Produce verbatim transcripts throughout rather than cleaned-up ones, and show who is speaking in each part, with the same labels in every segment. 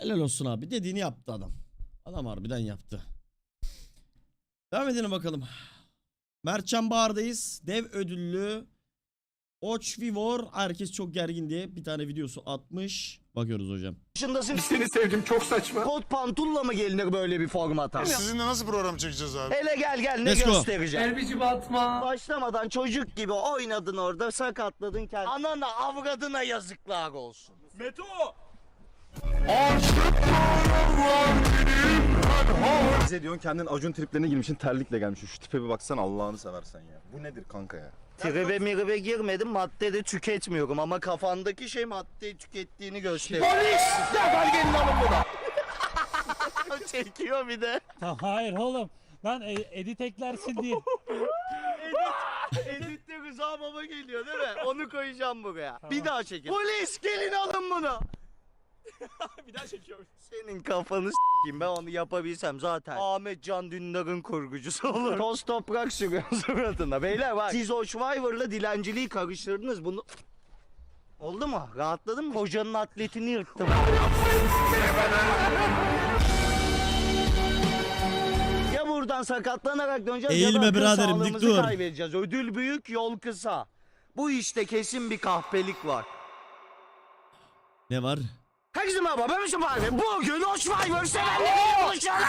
Speaker 1: Helal olsun abi. Dediğini yaptı adam. Adam harbiden yaptı. Devam edelim bakalım. Mertcan Bağır'dayız. Dev ödüllü Oç Vivor. Herkes çok gergin diye bir tane videosu atmış. Bakıyoruz hocam.
Speaker 2: Yaşındasın.
Speaker 3: Seni sevdim, çok saçma.
Speaker 2: Kot pantulla mı gelinir böyle bir formata?
Speaker 4: Sizinle nasıl program çekeceğiz abi?
Speaker 2: Hele gel gel ne
Speaker 1: Let's go.
Speaker 2: göstereceğim.
Speaker 3: Elbici batma.
Speaker 2: Başlamadan çocuk gibi oynadın orada, sakatladın kendini. Anana avradına yazıklar olsun. Meto!
Speaker 5: Bize diyorsun kendin Acun triplerine girmişsin, terlikle gelmişsin. Şu tipe bir baksana Allah'ını seversen ya. Bu nedir kanka ya?
Speaker 2: Tribe miribe girmedim, madde de tüketmiyorum ama kafandaki şey maddeyi tükettiğini gösteriyor. Polis! Defol gelin alın bunu. Çekiyor bir de.
Speaker 6: Hayır oğlum. Lan e- edit eklersin diye.
Speaker 2: Edit, editte Rıza Baba geliyor değil mi? Onu koyacağım buraya. Bir daha çekin. Polis gelin alın bunu.
Speaker 4: Bir daha çekiyorum.
Speaker 2: Senin kafanı s**eyim, ben onu yapabilsem zaten Ahmet Can Dündar'ın kurgucusu olur. Toz toprak sürüyor suratına. Beyler bak, siz o Schweiver'la dilenciliği karıştırdınız bunu. Oldu mu? Rahatladın mı? Hocanın atletini yırttım. Ya buradan sakatlanarak döneceğiz
Speaker 1: Eğilme
Speaker 2: ya da akıl
Speaker 1: biraderim, dik
Speaker 2: sağlığımızı
Speaker 1: dur.
Speaker 2: kaybedeceğiz. Ödül büyük, yol kısa. Bu işte kesin bir kahpelik var.
Speaker 1: Ne var?
Speaker 2: Herkese merhaba, ben Mesut abi. Bugün o Schweiver sevenleriyle buluşalım.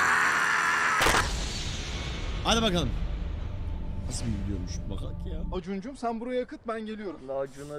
Speaker 1: Hadi bakalım. Nasıl bir videoymuş bakak ya.
Speaker 5: Acuncum sen buraya akıt, ben geliyorum.
Speaker 2: Lacuna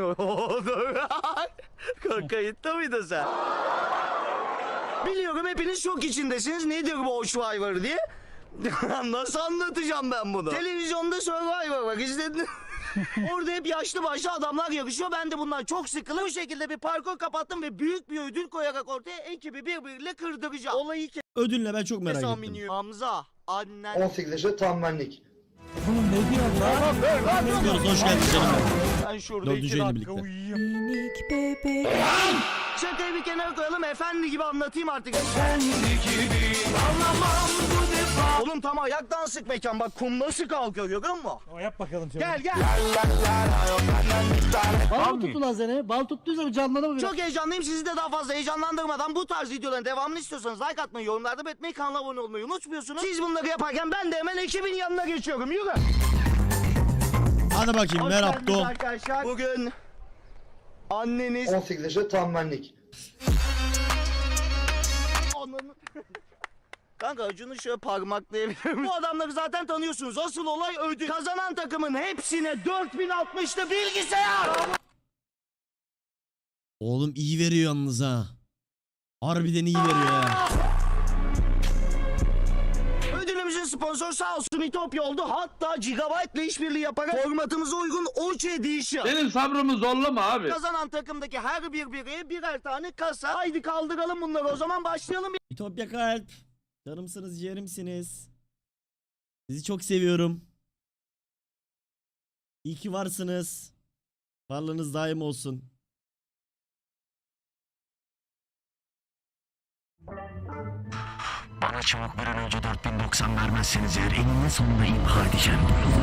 Speaker 2: kayıtta mıydın sen? Biliyorum hepiniz şok içindesiniz. Nedir bu o Schweiver diye. Nasıl anlatacağım ben bunu? Televizyonda Survivor bak izledin. Orada hep yaşlı başlı adamlar yarışıyor. Ben de bundan çok sıkıldım. Bu şekilde bir parkur kapattım ve büyük bir ödül koyarak ortaya ekibi birbiriyle kırdıracağım. Olayı
Speaker 1: Ödülüne ben çok merak
Speaker 2: kes
Speaker 1: ettim.
Speaker 2: aminiyim. Hamza, annen...
Speaker 7: on sekiz yaşı tam benlik.
Speaker 6: Oğlum ne diyorsun lan?
Speaker 1: Diyoruz, hoş geldin canım benim.
Speaker 2: Ben şurada
Speaker 1: Dördüncü
Speaker 2: iki
Speaker 1: yayını
Speaker 2: dakika
Speaker 1: birlikte.
Speaker 2: uyuyayım. Şakayı bir kenara koyalım, efendi gibi anlatayım artık. Efendi gibi anlamam bu defa. Oğlum tam ayaktan sık mekan, bak kum nasıl kalkıyor görüyor musun?
Speaker 6: O yap bakalım şöyle.
Speaker 2: Gel gel.
Speaker 6: Bal mı tuttu lan seni? Bal tuttuysa canlanır mı?
Speaker 2: Çok heyecanlıyım, sizi de daha fazla heyecanlandırmadan bu tarz videoların devamını istiyorsanız like atmayı, yorumlarda belirtmeyi, kanala abone olmayı unutmuyorsunuz. Siz bunları yaparken ben de hemen ekibin yanına geçiyorum, yürü.
Speaker 1: Hadi bakayım
Speaker 2: Hoş
Speaker 1: merhaba
Speaker 2: geldiniz
Speaker 1: Doğum.
Speaker 2: arkadaşlar. Bugün anneniz...
Speaker 7: on sekiz yaşı tam benlik.
Speaker 2: Ananı... Kanka Acun'u şöyle parmaklayabilirim. Bu adamları zaten tanıyorsunuz. Asıl olay ödül. Kazanan takımın hepsine dört bin altmışlı bilgisayar.
Speaker 1: Oğlum iyi veriyor yalnız ha. Harbiden iyi veriyor ya.
Speaker 2: Ödülümüzün sponsoru sağ olsun İtopya oldu. Hatta Gigabyte ile işbirliği yaparak formatımıza uygun Oç Edition.
Speaker 3: Benim sabrımı zorlama abi.
Speaker 2: Kazanan takımdaki her bir bireye birer tane kasa. Haydi kaldıralım bunları, o zaman başlayalım.
Speaker 1: Ütopya kalp. Canımsınız, ciğerimsiniz. Sizi çok seviyorum. İyi ki varsınız. Varlığınız daim olsun.
Speaker 8: Bana çabuk bir an önce dört bin doksan vermezseniz eğer eninde sonunda imha edeceğim bu yolu.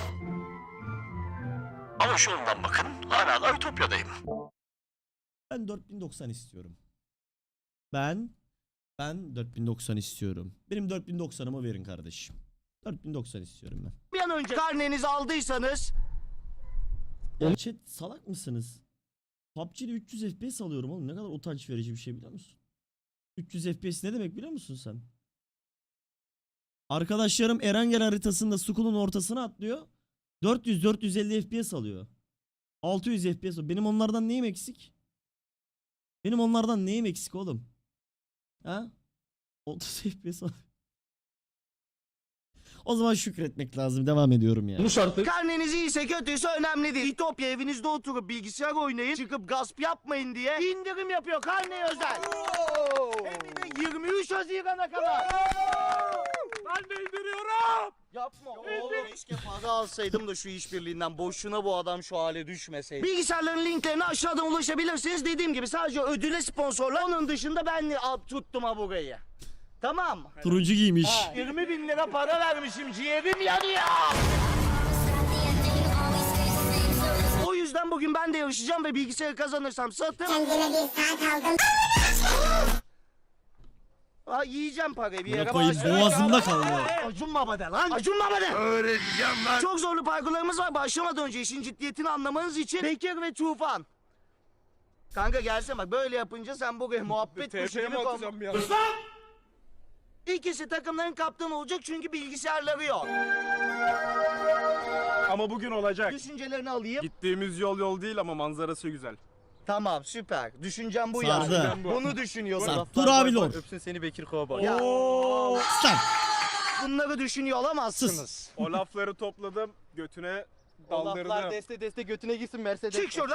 Speaker 8: Ama şu yoldan bakın, hala da Ütopya'dayım.
Speaker 1: Ben dört bin doksan istiyorum. Ben ben dört bin doksan istiyorum. Benim dört bin doksanımı verin kardeşim. dört bin doksan istiyorum ben.
Speaker 2: Bir an önce karnenizi aldıysanız.
Speaker 1: Ya chat salak mısınız? P U B G'de üç yüz F P S alıyorum oğlum. Ne kadar utanç verici bir şey biliyor musun? üç yüz F P S ne demek biliyor musun sen? Arkadaşlarım Erangel haritasında Skull'un ortasına atlıyor. dört yüz dört yüz elli F P S alıyor. altı yüz F P S. Benim onlardan neyim eksik? Benim onlardan neyim eksik oğlum? Ha? otuz F P S alıyor. O zaman şükretmek lazım. Devam ediyorum ya.
Speaker 2: Karneniz iyiyse kötüyse önemli değil. İtopya evinizde oturup bilgisayar oynayın, çıkıp gasp yapmayın diye indirim yapıyor karneye özel. Hem de yirmi üç Haziran'a kadar.
Speaker 4: Ben de indiriyorum.
Speaker 2: Yapma oğlum, keşke para alsaydım da şu işbirliğinden, boşuna bu adam şu hale düşmeseydi. Bilgisayarların linklerine aşağıdan ulaşabilirsiniz. Dediğim gibi sadece ödüle sponsorlar. Onun dışında ben tuttum ha burayı. Tamam.
Speaker 1: Turuncu giymiş.
Speaker 2: Ha, yirmi bin lira para vermişim, ciğerim yanıyor. O yüzden bugün ben de yarışacağım ve bilgisayarı kazanırsam satıp... Ha, yiyeceğim parayı bir yere
Speaker 1: Koyayım
Speaker 2: bağışlayacağım.
Speaker 1: boğazımda kaldı.
Speaker 2: Acun baba de lan. Acun baba de. Öğreteceğim lan. Çok zorlu parkurlarımız var. Başlamadan önce işin ciddiyetini anlamanız için Bekir ve Tufan. Kanka gelsene bak, böyle yapınca sen buraya muhabbet kuşu gibi kom-
Speaker 4: ya?
Speaker 2: İkisi takımların kaptanı olacak çünkü bilgisayarları yok.
Speaker 4: Ama bugün olacak.
Speaker 2: Düşüncelerini alayım.
Speaker 4: Gittiğimiz yol yol değil ama manzarası güzel.
Speaker 2: Tamam, süper. Düşüncem bu
Speaker 1: Sardı.
Speaker 2: yani. Bunu düşünüyorsun.
Speaker 1: Sardı. Dur abi lor.
Speaker 5: Öpsün seni Bekir Kovboy.
Speaker 2: Ya,
Speaker 1: Sen.
Speaker 2: bunları düşünüyor olamazsınız.
Speaker 4: O lafları topladım, götüne
Speaker 5: O laflar
Speaker 4: daldırdım.
Speaker 5: deste deste götüne gitsin Mercedes.
Speaker 2: Çık şuradan.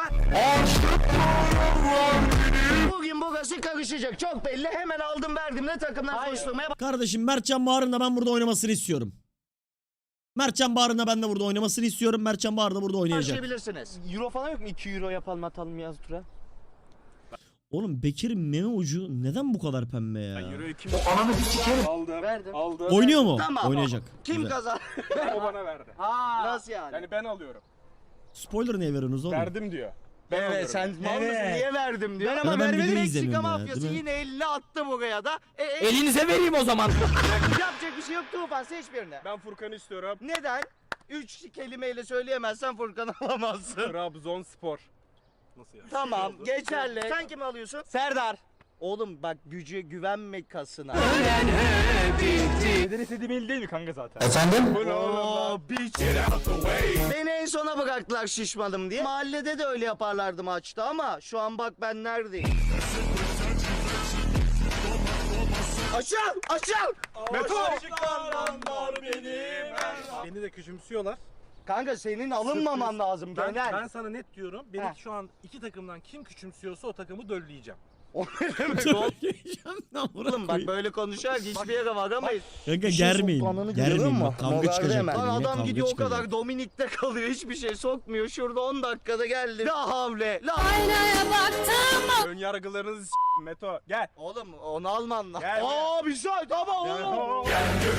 Speaker 2: Bugün burası karışacak. Çok belli. Hemen aldım verdim de takımlar koşturmaya
Speaker 1: Kardeşim Mertcan Bahar'ın da ben burada oynamasını istiyorum. Mertcan Bahar'ın da ben de burada oynamasını istiyorum. Mertcan Bahar da burada oynayacak.
Speaker 2: başlayabilirsiniz.
Speaker 5: Euro falan yok mu? iki euro yapalım atalım yaz tura.
Speaker 1: Oğlum Bekir'in meme ucu neden bu kadar pembe ya?
Speaker 4: Euro iki aldım.
Speaker 5: Verdim.
Speaker 4: Aldım.
Speaker 1: Oynuyor mu?
Speaker 2: Tamam.
Speaker 1: Oynayacak.
Speaker 2: Kim
Speaker 1: Güzel.
Speaker 2: kazan?
Speaker 4: O bana verdi.
Speaker 2: Nasıl yani?
Speaker 4: Yani ben alıyorum.
Speaker 1: Spoiler niye veriyorsunuz oğlum?
Speaker 4: Verdim diyor. Ben
Speaker 2: Evet,
Speaker 4: alıyorum.
Speaker 2: sen mal mısın?
Speaker 6: Evet.
Speaker 2: Niye verdim diyor.
Speaker 1: Ya
Speaker 2: Ama
Speaker 1: ben
Speaker 2: vermedi.
Speaker 1: videoyu
Speaker 2: Meksika
Speaker 1: izlemiyorum ya,
Speaker 2: mafyası
Speaker 1: değil mi?
Speaker 2: yine elini attı buraya da. E, e,
Speaker 8: Elinize vereyim o zaman.
Speaker 2: yapacak bir şey yok. Tufan seç birini.
Speaker 4: Ben Furkan'ı istiyorum.
Speaker 2: Neden? Üç kelimeyle söyleyemezsen Furkan'ı alamazsın.
Speaker 4: Trabzonspor. Nasıl yani?
Speaker 2: Tamam, geçerli. Sen kimi alıyorsun? Serdar. Oğlum bak, gücü güvenme kasına.
Speaker 4: Neden istediğim el değil mi kanka zaten?
Speaker 8: Efendim?
Speaker 4: Bu ne oğlum lan?
Speaker 2: Oo, bitch. Beni en sona bıraktılar şişmadım diye. Mahallede de öyle yaparlardı maçta ama şu an bak ben neredeyim. Aşağı! Aşağı!
Speaker 4: Meto! Beni de küçümsüyorlar.
Speaker 2: Kanka senin alınmaman lazım
Speaker 9: Ben,
Speaker 2: genel.
Speaker 9: ben sana net diyorum. Beni
Speaker 2: Heh.
Speaker 9: şu an iki takımdan kim küçümsüyorsa o takımı dölleyeceğim.
Speaker 2: O ne demek oğlum?
Speaker 1: Lan bırak
Speaker 2: Oğlum bak
Speaker 1: koyayım.
Speaker 2: böyle konuşarak hiçbir yere varamayız.
Speaker 1: Kanka
Speaker 2: Bir şey
Speaker 1: germeyin.
Speaker 2: sokmanını görüyor
Speaker 1: Germeyin
Speaker 2: musun?
Speaker 1: bak kavga
Speaker 2: Moralde
Speaker 1: çıkacak.
Speaker 2: hemen.
Speaker 1: dedim,
Speaker 2: Lan
Speaker 1: yine
Speaker 2: adam
Speaker 1: kavga
Speaker 2: gidiyor o
Speaker 1: çıkacak.
Speaker 2: kadar Dominik'te kalıyor, hiçbir şey sokmuyor. Şurada on dakikada geldi. La havle. La
Speaker 4: Ön yargılarınızı s*** Meto. Gel.
Speaker 2: Oğlum onu alman lazım.
Speaker 4: Gel,
Speaker 2: Aa bir şey tamam oğlum.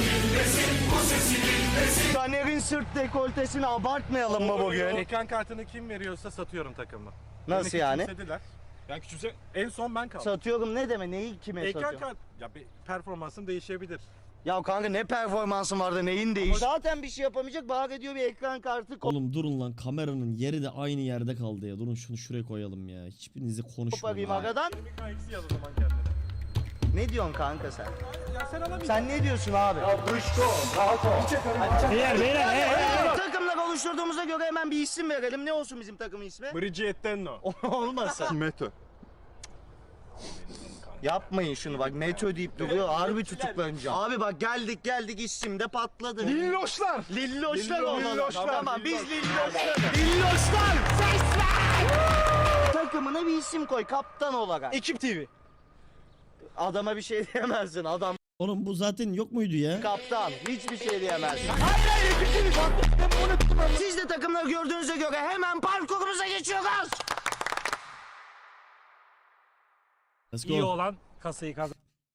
Speaker 2: Caner'in sırt dekoltesini abartmayalım mı bugün?
Speaker 9: Ekran kartını kim veriyorsa satıyorum takımı.
Speaker 2: Nasıl
Speaker 9: Beni
Speaker 2: yani?
Speaker 9: küçümsediler. Yani küçümse en son ben kaldım.
Speaker 2: Satıyorum ne demek? Neyi kime
Speaker 9: Ekran
Speaker 2: satıyorum?
Speaker 9: kart ya bir performansım değişebilir.
Speaker 2: Ya kanka ne performansın vardı neyin değiş? Zaten bir şey yapamayacak, bağır ediyor bir ekran kartı
Speaker 1: Oğlum durun lan, kameranın yeri de aynı yerde kaldı ya. Durun şunu şuraya koyalım ya. Hiçbirinizi
Speaker 2: koparayım
Speaker 1: konuşmayın. ha.
Speaker 2: aradan.
Speaker 9: Mikro eksi yaz o zaman kendine.
Speaker 2: Ne diyorsun kanka sen?
Speaker 9: Ya sen alamayacaksın.
Speaker 2: Sen ne diyorsun abi?
Speaker 6: Beyler beyler hey, hey, hey.
Speaker 2: Takımlar oluşturduğumuza göre hemen bir isim verelim. Ne olsun bizim takımın ismi?
Speaker 4: Brigittenno.
Speaker 2: Olmasın.
Speaker 5: Meto.
Speaker 2: Yapmayın şunu bak, Meto deyip duruyor, harbi tutuklanacağım. Abi bak geldik geldik isim de patladı.
Speaker 4: Lilloşlar.
Speaker 2: Lilloşlar
Speaker 4: Lillo-
Speaker 2: olalım.
Speaker 4: Lilloşlar.
Speaker 2: Tamam biz Lilloşlar. Lilloşlar! Ses ver! Takımına bir isim koy kaptan olarak.
Speaker 4: Ekip T V.
Speaker 2: Adama bir şey diyemezsin, adam
Speaker 1: Oğlum bu zaten yok muydu ya?
Speaker 2: kaptan. Hiçbir şey diyemezsin. Hayır hayır ikisini Siz de takımları gördüğünüze göre hemen parkurumuza geçiyoruz.
Speaker 1: Let's
Speaker 6: İyi
Speaker 1: go.
Speaker 6: olan kasayı kazan.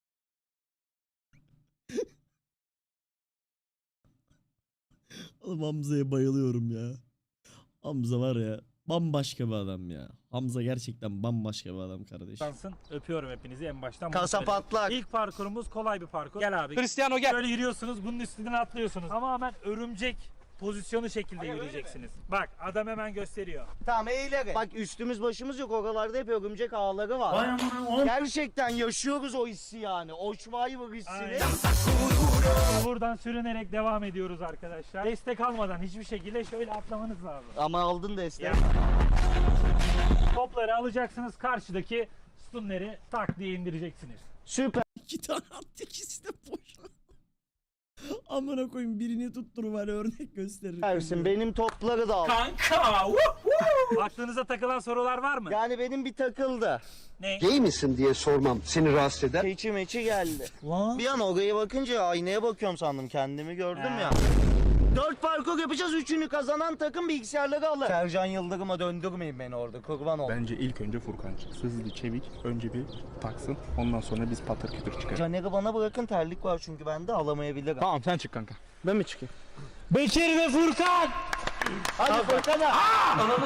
Speaker 1: Oğlum Hamza'ya bayılıyorum ya. Hamza var ya bambaşka bir adam ya. Hamza gerçekten bambaşka bir adam kardeş.
Speaker 6: Kazansın. Öpüyorum hepinizi en baştan. bunu
Speaker 2: Kasa
Speaker 6: söyleyeyim.
Speaker 2: patlak.
Speaker 6: İlk parkurumuz kolay bir parkur. Gel abi.
Speaker 9: Cristiano gel.
Speaker 6: Böyle yürüyorsunuz, bunun üstünden atlıyorsunuz. Tamamen örümcek pozisyonu şekilde yürüyeceksiniz. Bak adam hemen gösteriyor.
Speaker 2: Tamam eğilerek. Bak üstümüz başımız yok, oralarda hep örümcek ağları var. Gerçekten yaşıyoruz o hissi yani. O Schweiber hissini.
Speaker 6: Aynen. Buradan sürünerek devam ediyoruz arkadaşlar. Destek almadan hiçbir şekilde şöyle atlamanız lazım.
Speaker 2: Ama aldın da
Speaker 6: Ya. Topları alacaksınız, karşıdaki stunleri tak diye indireceksiniz.
Speaker 2: Süper.
Speaker 1: İki tane attı, ikisi de boş. Amına koyayım, birini tuttur bari örnek gösterir.
Speaker 2: Versin benim topları da al.
Speaker 6: Kanka! Aklınıza takılan sorular var mı?
Speaker 2: Yani benim bir takıldı.
Speaker 6: Ne?
Speaker 7: Gay misin diye sormam seni rahatsız eder.
Speaker 2: Keçi meçi geldi.
Speaker 6: Lan.
Speaker 2: Bir an oraya bakınca aynaya bakıyorum sandım, kendimi gördüm
Speaker 6: Ha.
Speaker 2: ya. Dört parkur yapacağız, üçünü kazanan takım bilgisayarları alır. Sercan Yıldırım'a döndürmeyin beni orada, kurban ol.
Speaker 3: Bence ilk önce Furkan çıksın. Hızlı çevik. Önce bir taksın. Ondan sonra biz patır kütür çıkarız.
Speaker 2: Caner'i bana bırakın, terlik var çünkü bende, alamayabilirim.
Speaker 3: Tamam sen çık kanka. Ben mi çıkayım?
Speaker 6: Bekir ve Furkan!
Speaker 2: Hadi Furkan'a.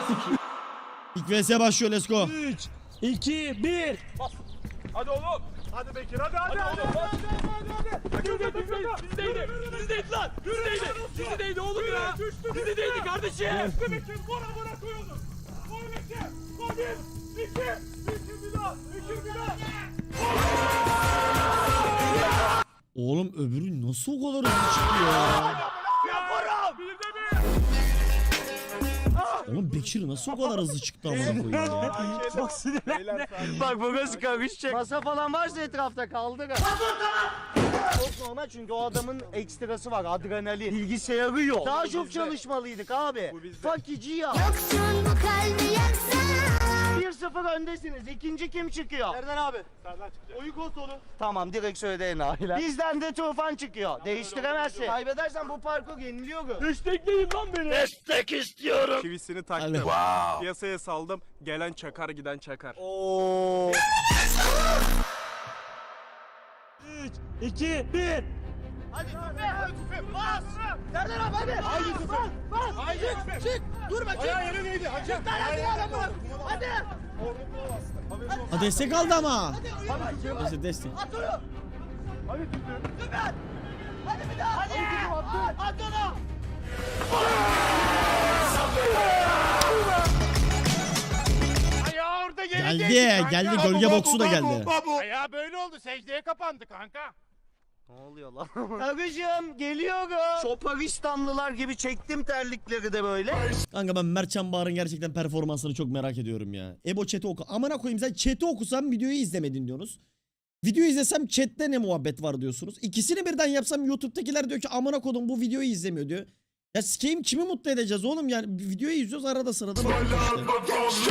Speaker 1: İlk V S başlıyor, let's go.
Speaker 6: üç, iki, bir.
Speaker 4: Hadi oğlum.
Speaker 9: Hadi Bekir hadi hadi hadi hadi hadi hadi. Bizdeydi bizdeydi bizdeydi lan bizdeydi bizdeydi oğlum ya bizdeydi kardeşim. Düştü Bekir bora bora koyuldu. Koy Bekir koy bir iki iki bir daha iki bir daha.
Speaker 1: Oğlum öbürü nasıl o kadar hızlı çıktı ya?
Speaker 9: Yaparım. Bir de bir.
Speaker 1: Oğlum Bekir nasıl o kadar hızlı çıktı amına koyayım ya?
Speaker 2: Çok sinirlendi. Bak burası karışacak. Masa falan varsa etrafta kaldır. Çok normal çünkü o adamın ekstrası var, adrenalin. Bilgisayarı yok. Daha çok çalışmalıydık abi. Fakici ya. bir sıfır öndesiniz. İkinci kim çıkıyor?
Speaker 4: Serdar abi. Serdar çıkacak. Oyun konsolu.
Speaker 2: Tamam direkt söyledi enayiler. Bizden de Tufan çıkıyor. Değiştiremezsin. Kaybedersen bu parkur yeniliyor.
Speaker 9: Destekleyin lan beni.
Speaker 2: Destek istiyorum.
Speaker 4: Çivisini taktım.
Speaker 1: Hadi.
Speaker 4: Piyasaya saldım. Gelen çakar giden çakar.
Speaker 2: Oo.
Speaker 6: üç, iki, bir.
Speaker 2: Hadi tüfe, hadi tüfe, bas! Serdar abi hadi! Haydi tüfe! Bas! Haydi! Çık! Dur bakayım!
Speaker 9: Ayağı yere neydi?
Speaker 2: Çık lan hadi araba! Hadi!
Speaker 1: Ha destek aldı ama. Neyse destek.
Speaker 2: At onu!
Speaker 9: Hadi tüfe.
Speaker 2: Tüfe! Hadi bir daha! Hadi! At, at onu!
Speaker 9: Ayağı orada geri
Speaker 1: Geldi,
Speaker 9: değdi kanka.
Speaker 1: geldi. Gölge boksu da geldi.
Speaker 9: Ayağı böyle oldu. Secdeye kapandı kanka.
Speaker 2: Ne oluyor lan? Karıcığım geliyorum. Şoparistanlılar gibi çektim terlikleri de böyle.
Speaker 1: Kanka ben Mertcan Bağır'ın gerçekten performansını çok merak ediyorum ya. Ebo chat'i oku. Amına koyayım sen chat'i okusam videoyu izlemedin diyorsunuz. Videoyu izlesem chatte ne muhabbet var diyorsunuz. İkisini birden yapsam YouTube'dakiler diyor ki amına kodum bu videoyu izlemiyor diyor. Ya sikeyim kimi mutlu edeceğiz oğlum yani videoyu izliyoruz arada sırada bakıyoruz işte.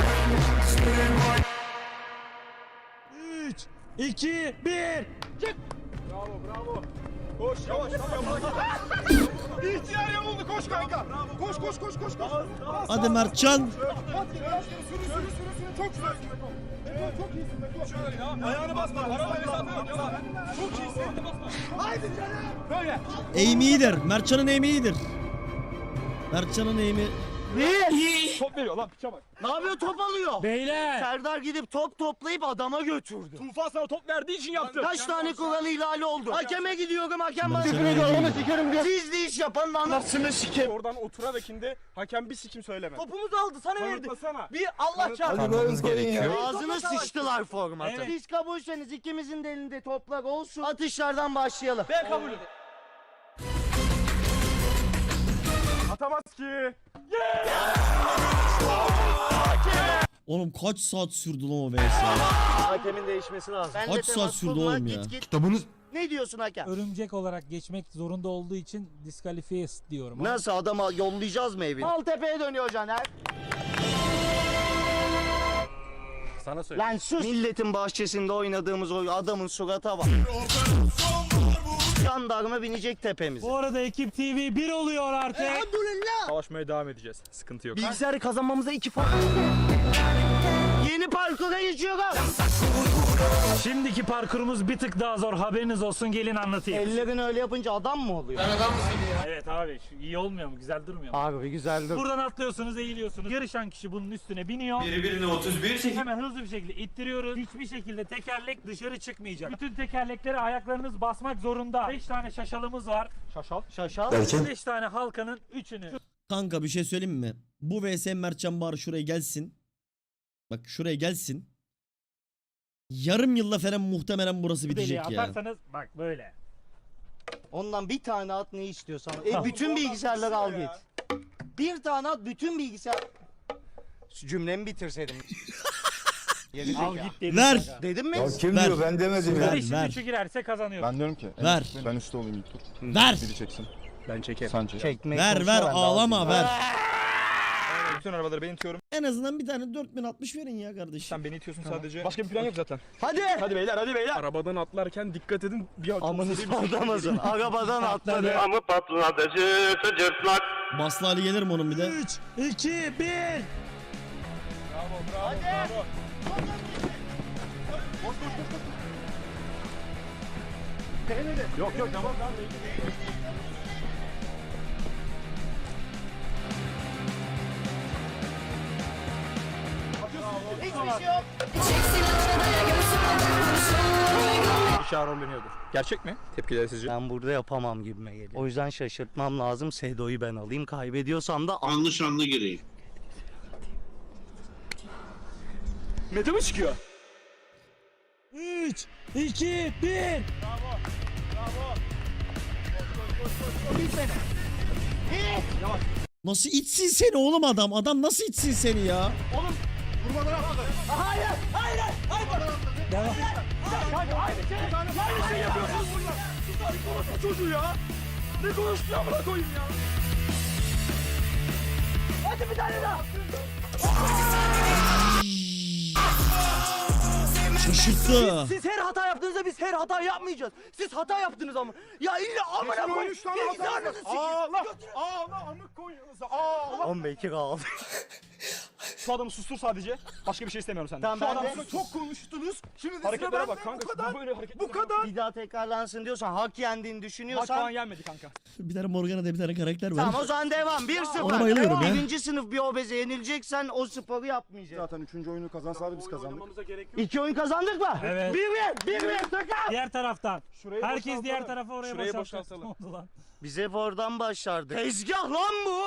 Speaker 6: üç, iki, bir.
Speaker 9: Bravo bravo. Koş yavaş yavaş. İhtiyar yamuldu koş kanka. Koş koş koş koş koş.
Speaker 1: Hadi Mertcan.
Speaker 9: At sürü sürü sürü sürü çok güzelsin Beto. Beto çok iyisin Beto. Şöyle ya. Ayağını basma. Arabayı basma. Çok iyisin. Basma. Haydi canım. Böyle.
Speaker 1: Aim iyidir. Mertcan'ın aim iyidir. Mertcan'ın aim'i.
Speaker 9: Top veriyor lan piçe bak.
Speaker 2: Ne yapıyor top alıyor?
Speaker 6: Beyler.
Speaker 2: Serdar gidip top toplayıp adama götürdü.
Speaker 9: Tufan sana top verdiği için yaptı.
Speaker 2: Kaç tane kural ihlali oldu? Hakeme gidiyorum hakem bana
Speaker 1: Mertcan'ın
Speaker 2: küfür ediyor.
Speaker 1: aim'i
Speaker 2: Onu
Speaker 1: iyidir.
Speaker 2: sikerim diyor. Siz de iş yapan anasını sikeyim.
Speaker 9: Oradan oturarakinde hakem bir sikim söyleme.
Speaker 2: Topumuzu aldı sana verdi.
Speaker 9: Kanıtlasana.
Speaker 2: Bir Allah çarpsın.
Speaker 5: Tanımamız gerekiyor.
Speaker 2: Ağzını sıçtılar formatı.
Speaker 6: Evet.
Speaker 2: Siz kabulseniz ikimizin de elinde toplar olsun. Atışlardan başlayalım.
Speaker 9: Ben kabul ederim. Atamaz ki.
Speaker 1: Oğlum kaç saat sürdü lan o V S?
Speaker 2: Hakemin değişmesi lazım. Ben
Speaker 1: Kaç
Speaker 2: de
Speaker 1: saat
Speaker 2: temas
Speaker 1: sürdü
Speaker 2: kurma,
Speaker 1: oğlum
Speaker 2: git
Speaker 1: ya?
Speaker 2: git.
Speaker 5: Kitabınız
Speaker 2: Ne diyorsun hakem?
Speaker 6: Örümcek olarak geçmek zorunda olduğu için diskalifiye diyorum. ama-
Speaker 2: Nasıl adama yollayacağız mı evine? Maltepe'ye dönüyor Caner.
Speaker 9: Sana söyle.
Speaker 2: Lan sus. Milletin bahçesinde oynadığımız o adamın surata bak. Jandarma binecek tepemize.
Speaker 6: Bu arada Ekip T V bir oluyor artık.
Speaker 2: Elhamdülillah.
Speaker 9: Savaşmaya devam edeceğiz. Sıkıntı yok.
Speaker 2: Bilgisayarı kazanmamıza iki fark. Yeni parkura geçiyoruz.
Speaker 6: Şimdiki parkurumuz bir tık daha zor. Haberiniz olsun, gelin anlatayım.
Speaker 2: Ellerini öyle yapınca adam mı oluyor?
Speaker 6: Evet abi, şu iyi olmuyor mu? Güzel durmuyor mu?
Speaker 2: Abi güzeldir.
Speaker 6: Buradan atlıyorsunuz, eğiliyorsunuz. Yarışan kişi bunun üstüne biniyor. Biri birine otuz bir. Hemen hızlı bir şekilde ittiriyoruz. Hiçbir şekilde tekerlek dışarı çıkmayacak. Bütün tekerleklere ayaklarınız basmak zorunda. beş tane şaşalımız var.
Speaker 9: Şaşal.
Speaker 2: Şaşal.
Speaker 6: beş tane halkanın üçünü.
Speaker 1: Kanka bir şey söyleyeyim mi? Bu V S Mertcan Bağır şuraya gelsin. Bak şuraya gelsin. Yarım yılda falan muhtemelen burası
Speaker 6: Deliğe
Speaker 1: bitecek ya.
Speaker 6: atarsanız bak böyle.
Speaker 2: Ondan bir tane at ne istiyorsan. E, bütün bilgisayarları al git. Bir tane at bütün bilgisayar... Şu cümlemi bitirseydim. Geri
Speaker 6: Al
Speaker 2: zeka.
Speaker 6: git dedim.
Speaker 1: Ver.
Speaker 6: sana.
Speaker 2: Dedim mi?
Speaker 5: kim
Speaker 1: Ver.
Speaker 5: diyor ben demedim
Speaker 1: Ver,
Speaker 6: Beşin
Speaker 1: ver.
Speaker 6: üçü girerse kazanıyor.
Speaker 5: Ben diyorum ki.
Speaker 1: Ver.
Speaker 5: Ben üstte olayım ilk tur.
Speaker 1: Ver.
Speaker 5: Biri çeksin.
Speaker 4: Ben çekerim.
Speaker 5: Sen çek.
Speaker 2: Çekmeyi
Speaker 1: Ver
Speaker 2: konuşma,
Speaker 1: ver
Speaker 2: ben de
Speaker 1: ağlama
Speaker 2: alayım.
Speaker 1: ver.
Speaker 4: Bütün arabaları ben itiyorum.
Speaker 1: En azından bir tane dört bin altmış verin ya kardeşim.
Speaker 4: Sen beni itiyorsun sadece. Başka bir plan yok zaten.
Speaker 2: Hadi.
Speaker 4: Hadi beyler hadi beyler. Arabadan atlarken dikkat edin. Bir
Speaker 2: Amını
Speaker 4: seri bir şey
Speaker 2: sallamasın. Arabadan atladı.
Speaker 8: Amı patlatıcı sıcırtlak.
Speaker 1: Baslı Ali gelir mi onun bir de?
Speaker 6: üç, iki, bir.
Speaker 4: Bravo bravo bravo. Yok yok tamam tamam.
Speaker 2: Hiçbir şey yok.
Speaker 10: Çek silahını da göğsüme vurursun.
Speaker 4: aşağı rolleniyordur. Gerçek mi? Tepkileri sizce?
Speaker 2: Ben burada yapamam gibime geliyor. O yüzden şaşırtmam lazım. Sedo'yu ben alayım. Kaybediyorsam da
Speaker 8: Anlı şanlı gireyim.
Speaker 4: Mete mi çıkıyor?
Speaker 6: üç, iki, bir.
Speaker 1: Nasıl içsin seni oğlum adam? Adam nasıl içsin seni ya?
Speaker 4: Kanka aynı şey. Aynı şey yapıyorsunuz burada. Sus abi konuşma çocuğu ya. Ne konuştu amına koyayım ya. Hadi bir tane daha.
Speaker 1: Şaşırttı.
Speaker 2: siz her hata yaptığınızda biz her hata yapmayacağız. Siz hata yaptınız ama. Ya illa amına koyayım.
Speaker 4: üç tane hata var. Ağla. Ağla amık koyunuza. Ağla.
Speaker 2: on beş kaldı.
Speaker 4: Şu adamı sustur sadece. Başka bir şey istemiyorum senden.
Speaker 2: Tamam,
Speaker 4: Şu
Speaker 2: ben
Speaker 4: adamı
Speaker 2: de-
Speaker 4: çok konuştunuz. Şimdi hareketlere bak kanka. Bu kadar. Böyle hareket. Bu kadar.
Speaker 2: Bir daha tekrarlansın diyorsan, hak yendiğini
Speaker 4: Maç
Speaker 2: düşünüyorsan.
Speaker 4: falan yenmedi kanka.
Speaker 1: Bir tane Morgana'da bir tane karakter var.
Speaker 2: Tamam o zaman devam. bir sıfır.
Speaker 1: Ona bayılıyorum ya.
Speaker 2: Birinci sınıf bir obeze yenileceksen o sporu yapmayacaksın.
Speaker 5: Zaten üçüncü oyunu kazansalardı biz kazandık.
Speaker 2: İki oyun kazandık mı?
Speaker 6: Evet.
Speaker 2: Bir bir. Bir bir. Takım.
Speaker 6: Diğer taraftan.
Speaker 4: Şurayı
Speaker 6: Herkes
Speaker 4: boşaltalım.
Speaker 6: diğer tarafa oraya
Speaker 4: Şurayı
Speaker 6: boşaltsın.
Speaker 4: boşaltalım.
Speaker 6: Ne oldu lan?
Speaker 2: Biz hep oradan başlardık. Tezgah lan bu.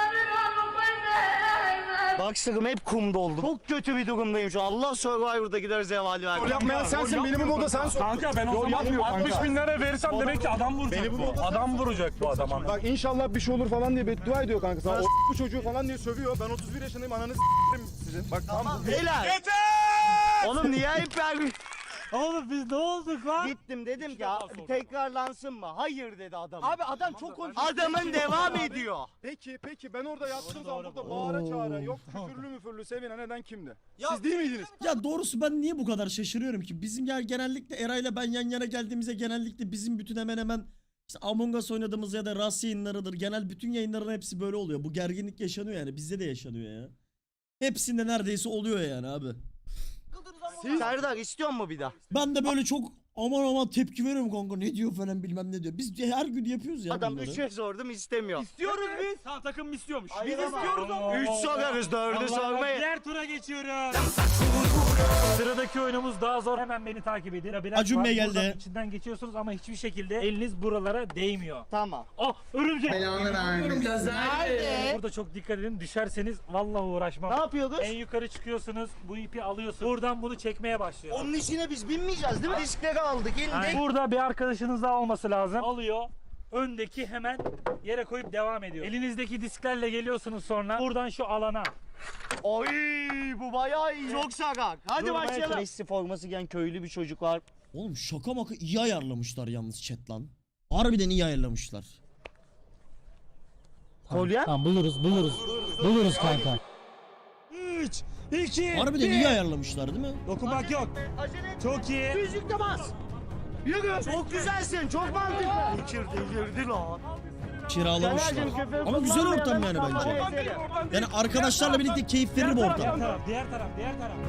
Speaker 2: Baksırım hep kum doldu. Çok kötü bir durumdayım şu an. Allah Survivor'da gider zevali ver.
Speaker 5: Rol yapmayan sensin, beni bu moda sen sok.
Speaker 4: Kanka ben o
Speaker 5: Yol
Speaker 4: zaman
Speaker 5: yapmıyor
Speaker 4: altmış
Speaker 5: kanka.
Speaker 4: bin lira verirsem demek ki adam vuracak.
Speaker 5: Beni bu
Speaker 4: bu.
Speaker 5: moda
Speaker 4: Adam vuracak bu adama.
Speaker 5: Bak inşallah bir şey olur falan diye beddua ediyor kanka. Sana o bu çocuğu falan diye sövüyor. Ben otuz bir yaşındayım, ananı s**erim sizin. Bak tamam.
Speaker 2: Beyler. Oğlum niye hep vermiş?
Speaker 6: Oğlum biz ne olduk lan?
Speaker 2: Gittim dedim ki "Ya, tekrarlansın mı? Hayır dedi adam. Abi adam çok konuşuyor. Adamın devam ediyor.
Speaker 5: Peki peki ben orada yattığım zaman burada bağıra çağıra yok küfürlü müfürlü sevinen eden kimdi? Siz değil miydiniz?
Speaker 1: Ya doğrusu ben niye bu kadar şaşırıyorum ki? Bizim ya genellikle Eray'la ben yan yana geldiğimizde genellikle bizim bütün hemen hemen işte Among Us oynadığımız ya da Rast yayınlarıdır. Genel bütün yayınların hepsi böyle oluyor. Bu gerginlik yaşanıyor yani. Bizde de yaşanıyor ya. Hepsinde neredeyse oluyor yani abi.
Speaker 2: Serdar istiyor mu bir daha?
Speaker 1: Ben de böyle çok aman aman tepki veriyorum kanka. Ne diyor falan bilmem ne diyor. Biz her gün yapıyoruz ya
Speaker 2: Adam
Speaker 1: bunları.
Speaker 2: üçe sordum istemiyor.
Speaker 4: İstiyoruz biz. Sağ takım istiyormuş.
Speaker 2: Biz
Speaker 4: Biz istiyoruz ama.
Speaker 2: Üç sorarız dördü
Speaker 6: Allah,
Speaker 2: sormayı.
Speaker 6: diğer tura geçiyoruz. Sıradaki oyunumuz daha zor. Hemen beni takip edin. Labirent
Speaker 1: Acun
Speaker 6: var.
Speaker 1: Bey geldi.
Speaker 6: Buradan içinden geçiyorsunuz ama hiçbir şekilde eliniz buralara değmiyor.
Speaker 2: Tamam.
Speaker 6: Oh örümcek.
Speaker 2: Nerede?
Speaker 6: Burada çok dikkat edin. Düşerseniz vallahi uğraşmam.
Speaker 2: Ne yapıyoruz?
Speaker 6: En yukarı çıkıyorsunuz. Bu ipi alıyorsunuz. Buradan bunu çekmeye başlıyorsunuz.
Speaker 2: Onun içine biz binmeyeceğiz değil mi? Diskleri aldık
Speaker 6: Yani
Speaker 2: indik.
Speaker 6: burada bir arkadaşınız daha olması lazım. Alıyor. Öndeki hemen yere koyup devam ediyor. Elinizdeki disklerle geliyorsunuz sonra. Buradan şu alana.
Speaker 2: Oy bu bayağı iyi. Çok sakak. Hadi
Speaker 6: Durmaya
Speaker 2: başlayalım. Messi forması giyen köylü bir çocuk var.
Speaker 1: Oğlum şaka maka iyi ayarlamışlar yalnız chat lan. Harbiden iyi ayarlamışlar.
Speaker 2: Kolye?
Speaker 6: Tamam buluruz buluruz. Buluruz kanka. üç, iki,
Speaker 1: Harbiden iyi ayarlamışlar değil mi?
Speaker 6: Dokunmak yok.
Speaker 2: Acele et.
Speaker 6: Çok iyi.
Speaker 2: Müzik de bas. Yürü. Çok güzelsin. Çok mantıklı. İçirdi girdi lan.
Speaker 1: Kiralamışlar.
Speaker 2: Caner'cim, küfür
Speaker 1: Ama güzel ortam yani
Speaker 2: kullanmayalım.
Speaker 1: bence.
Speaker 2: Tamam, ezelim.
Speaker 1: Yani arkadaşlarla birlikte keyif verir bu
Speaker 6: Diğer
Speaker 1: ortam.
Speaker 6: taraf, diğer taraf, diğer taraf.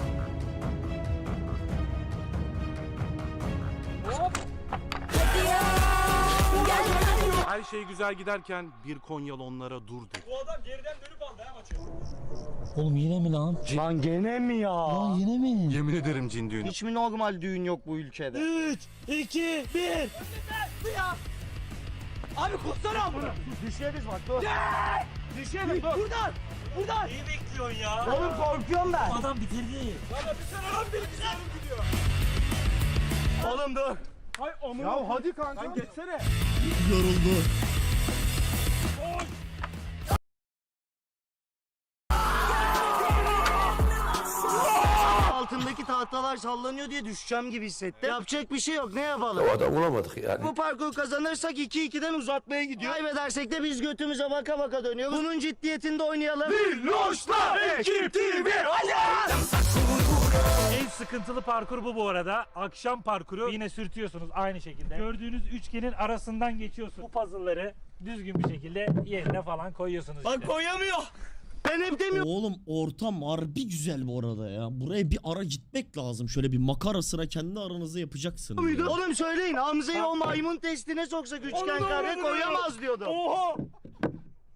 Speaker 3: Her şey güzel giderken bir Konyalı onlara dur dedi.
Speaker 4: Bu adam geriden dönüp aldı ha maçı.
Speaker 6: Oğlum yine mi lan?
Speaker 2: Lan gene mi ya?
Speaker 6: Yine mi?
Speaker 3: Yemin ederim cin düğünü.
Speaker 2: Hiç mi normal düğün yok bu ülkede?
Speaker 6: üç, iki, bir.
Speaker 2: Abi kursana bunu. Düşeriz bak dur. Düşeriz dur. Buradan. Buradan.
Speaker 6: Neyi bekliyorsun ya?
Speaker 2: Oğlum korkuyorum ben.
Speaker 6: Adam bitirdi.
Speaker 2: Oğlum dur.
Speaker 4: Hay amına.
Speaker 5: Ya hadi kanka.
Speaker 4: Lan geçsene.
Speaker 1: Yoruldu.
Speaker 2: Altındaki tahtalar sallanıyor diye düşeceğim gibi hissettim. Yapacak bir şey yok. Ne yapalım?
Speaker 8: O da bulamadık yani.
Speaker 2: Bu parkur kazanırsak iki ikiden uzatmaya gidiyor. Kaybedersek de biz götümüze baka baka dönüyoruz. Bunun ciddiyetinde oynayalım.
Speaker 4: Loşlar ekip T V.
Speaker 6: En sıkıntılı parkur bu bu arada. Akşam parkuru yine sürtüyorsunuz aynı şekilde. Gördüğünüz üçgenin arasından geçiyorsunuz. Bu puzzle'ları düzgün bir şekilde yerine falan koyuyorsunuz.
Speaker 2: Bak
Speaker 6: işte.
Speaker 2: koyamıyor. Ben hep demiyorum.
Speaker 1: Oğlum ortam harbi güzel bu arada ya. Buraya bir ara gitmek lazım. Şöyle bir makara sıra kendi aranızda yapacaksınız. ya.
Speaker 2: Oğlum söyleyin Hamza'yı o maymun testine soksak üçgen kare koyamaz diyordu.
Speaker 4: Oha.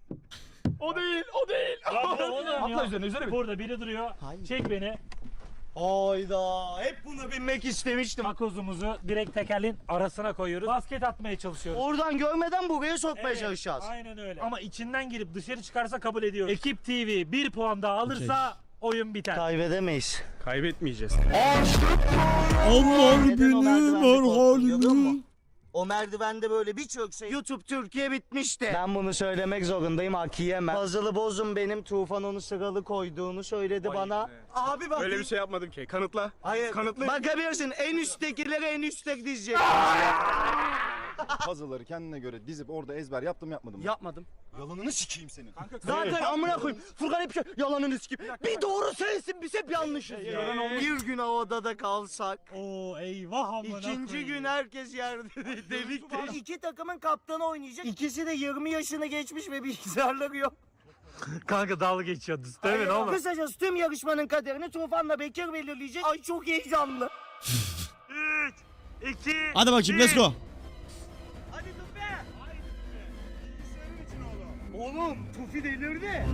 Speaker 4: O değil, o değil.
Speaker 6: Bak, oğlum ya.
Speaker 4: Atla üzerine, üzerine bin.
Speaker 6: Burada biri duruyor. Çek beni.
Speaker 2: Hayda. Hep bunu binmek istemiştim.
Speaker 6: Takozumuzu direkt tekerleğin arasına koyuyoruz. Basket atmaya çalışıyoruz.
Speaker 2: Oradan görmeden buraya sokmaya
Speaker 6: Evet,
Speaker 2: çalışacağız.
Speaker 6: Aynen öyle. Ama içinden girip dışarı çıkarsa kabul ediyoruz. Ekip T V bir puan daha alırsa oyun biter.
Speaker 2: Kaybedemeyiz.
Speaker 3: Kaybetmeyeceğiz.
Speaker 1: Allah
Speaker 2: Neden o merdivende korktun, görüyor
Speaker 1: merhalim.
Speaker 2: musun? O merdivende böyle bir çökse YouTube Türkiye bitmişti. Ben bunu söylemek zorundayım, hak yiyemem. Puzzle'ı bozun, benim Tufan onu sıralı koyduğunu söyledi bana. Abi bak.
Speaker 3: Öyle bir şey yapmadım ki. Kanıtla.
Speaker 2: Hayır.
Speaker 3: Kanıtlı.
Speaker 2: Bakabilirsin, en üsttekileri en üstte dizecek.
Speaker 5: Puzzle'ları kendine göre dizip orada ezber yaptım yapmadım mı?
Speaker 2: Yapmadım.
Speaker 5: Yalanını sikeyim senin.
Speaker 2: Zaten amına koyayım. Furkan hep şey yalanını sikeyim. Bir doğru sensin, biz hep yanlışız ya. Bir gün o odada kalsak.
Speaker 6: Oo eyvah amına
Speaker 2: İkinci
Speaker 6: koyayım.
Speaker 2: gün herkes yerde delik delik. İki takımın kaptanı oynayacak. İkisi de yirmi yaşını geçmiş ve bilgisayarları yok.
Speaker 6: Kanka dalga geçiyordunuz değil mi oğlum?
Speaker 2: Kısacası tüm yarışmanın kaderini Tufan'la Bekir belirleyecek. Ay çok heyecanlı.
Speaker 6: üç, iki,
Speaker 1: Hadi bakayım let's go.
Speaker 2: Hadi Tufi. Oğlum Tufi delirdi.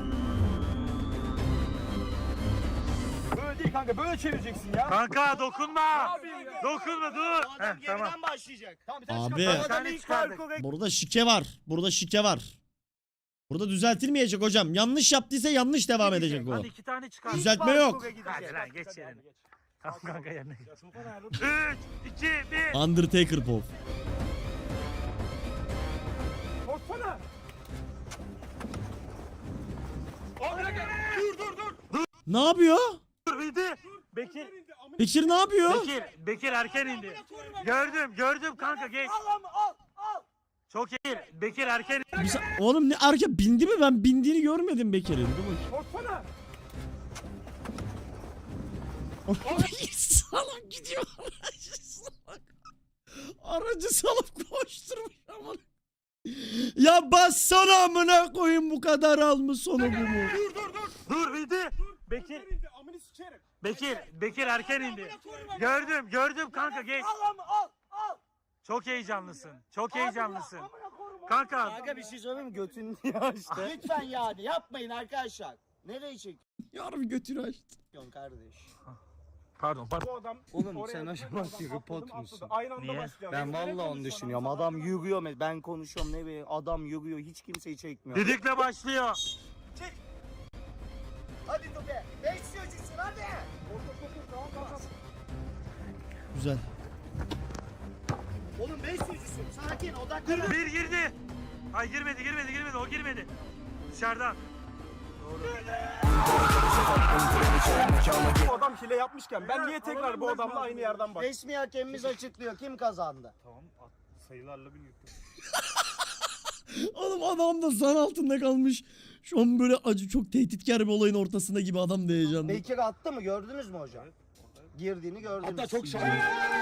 Speaker 4: Böyle değil kanka, böyle çevireceksin ya.
Speaker 6: Kanka dokunma. Dokunma dur.
Speaker 2: Adam
Speaker 6: Heh,
Speaker 2: geriden
Speaker 6: tamam.
Speaker 2: başlayacak.
Speaker 4: Tamam bir tane
Speaker 1: Abi.
Speaker 4: çıkar.
Speaker 2: Adam
Speaker 6: tane
Speaker 2: ilk
Speaker 6: çıkardık.
Speaker 2: parkura
Speaker 1: Burada şike var. Burada şike var. Burada düzeltilmeyecek hocam. Yanlış yaptıysa yanlış devam edecek o.
Speaker 6: Hadi iki tane çıkar.
Speaker 1: Düzeltme yok.
Speaker 2: parkura gidecek.
Speaker 6: Hadi lan geç yerine. Tamam kanka yerine. üç, iki, bir.
Speaker 1: Undertaker Pop.
Speaker 4: Koşsana. Abi dur dur dur.
Speaker 1: Ne yapıyor?
Speaker 6: Dur bildi. Bekir.
Speaker 1: Bekir ne yapıyor?
Speaker 6: Bekir. Bekir erken indi. Gördüm gördüm kanka geç.
Speaker 2: Al ama al al.
Speaker 6: Çok iyi. Bekir erken
Speaker 1: Bir sa- Oğlum ne arka bindi mi? Ben bindiğini görmedim Bekir'in. Dur bakayım.
Speaker 4: Koşsana.
Speaker 1: Salak gidiyor. Aracı salak. Aracı salıp koşturmuş ama. Ya bassana amına koyayım, bu kadar almış sonu bu mu?
Speaker 4: Dur dur dur.
Speaker 6: Dur bildi. Bekir.
Speaker 4: indi, amını sikerim.
Speaker 6: Bekir. Bekir erken indi. Gördüm gördüm kanka geç.
Speaker 2: Al ama al al.
Speaker 6: Çok heyecanlısın. Çok heyecanlısın. Kanka.
Speaker 2: Kanka bir şey söyleyeyim mi? Götünü açtı. Lütfen yani yapmayın arkadaşlar. Nereye
Speaker 1: Yarım götünü açtı.
Speaker 2: çekiyorsun kardeş?
Speaker 6: Pardon pardon.
Speaker 4: Bu adam
Speaker 2: Oğlum
Speaker 4: oraya
Speaker 2: sen
Speaker 4: atladı,
Speaker 2: acaba
Speaker 4: oradan
Speaker 2: tripod
Speaker 4: atladım,
Speaker 2: musun?
Speaker 4: atladı. Aynı anda
Speaker 6: Niye?
Speaker 4: başlayalım.
Speaker 2: Ben
Speaker 4: Ne
Speaker 2: vallahi onu
Speaker 4: konuşuyorsun
Speaker 2: düşünüyorum.
Speaker 4: anasını
Speaker 2: Adam yürüyor. Ben konuşuyorum ne bileyim. Adam yürüyor. Hiç kimseyi çekmiyor.
Speaker 6: Didikle başlıyor.
Speaker 2: Hadi Tufe. Beş çocuksun hadi.
Speaker 1: Güzel.
Speaker 2: Oğlum beş çocuksun. Sakin odaklan.
Speaker 6: Bir girdi. Ay girmedi girmedi girmedi o girmedi. Dışarıdan.
Speaker 4: Bu adam hile yapmışken ben niye tekrar bu adamla aynı yerden bak?
Speaker 2: Resmi hakemimiz açıklıyor. Kim kazandı?
Speaker 4: Sayılarla bir
Speaker 1: Oğlum adam da zan altında kalmış. Şu an böyle acı, çok tehditkar bir olayın ortasında gibi adam da heyecanlı.
Speaker 2: Bekir attı mı? Gördünüz mü hocam? Girdiğini gördünüz.
Speaker 4: Hatta çok şahane.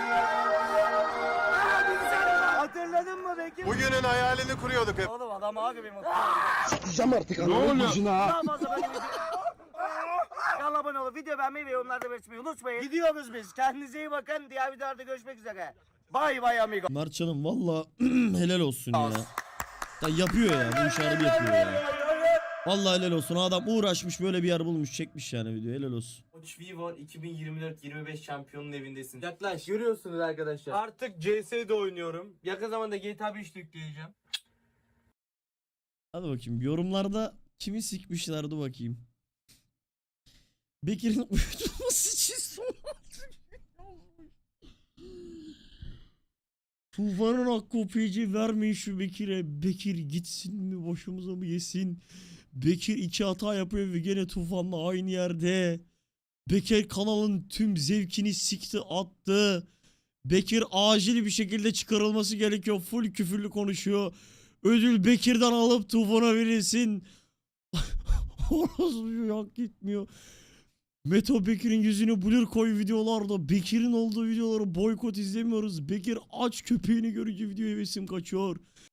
Speaker 2: Hatırladın mı Bekir?
Speaker 5: Bugünün hayalini kuruyorduk hep.
Speaker 2: Oğlum adam abi bir mutlu.
Speaker 7: Sıkacağım artık ananı bacına.
Speaker 2: Daha fazla böyle video. Kanala abone olup video beğenmeyi ve yorumlarda belirtmeyi unutmayın. Gidiyoruz biz. Kendinize iyi bakın. Diğer videolarda görüşmek üzere. Bay bay amigo.
Speaker 1: Mertcan'ım valla helal olsun ya. Ya yapıyor ya, bu işi harbi yapıyor ya. Vallahi helal olsun, adam uğraşmış böyle bir yer bulmuş, çekmiş yani video, helal olsun.
Speaker 10: Watch V var iki bin yirmi dört yirmi beş şampiyonun evindesin. Yaklaş. Görüyorsunuz arkadaşlar. Artık C S'de oynuyorum. Yakın zamanda G T A beş de yükleyeceğim.
Speaker 1: Hadi bakayım yorumlarda kimi sikmişler, dur bakayım. Bekir'in uyutulması için son Tufan'ın hakkı O P C vermeyin şu Bekir'e. Bekir gitsin mi, başımıza mı yesin? Bekir iki hata yapıyor ve gene Tufan'la aynı yerde. Bekir kanalın tüm zevkini sikti attı. Bekir acil bir şekilde çıkarılması gerekiyor. Full küfürlü konuşuyor. Ödül Bekir'den alıp Tufan'a verilsin. Orası hak gitmiyor. Meto Bekir'in yüzünü blur koy videolarda. Bekir'in olduğu videoları boykot izlemiyoruz. Bekir aç köpeğini görünce video hevesim kaçıyor.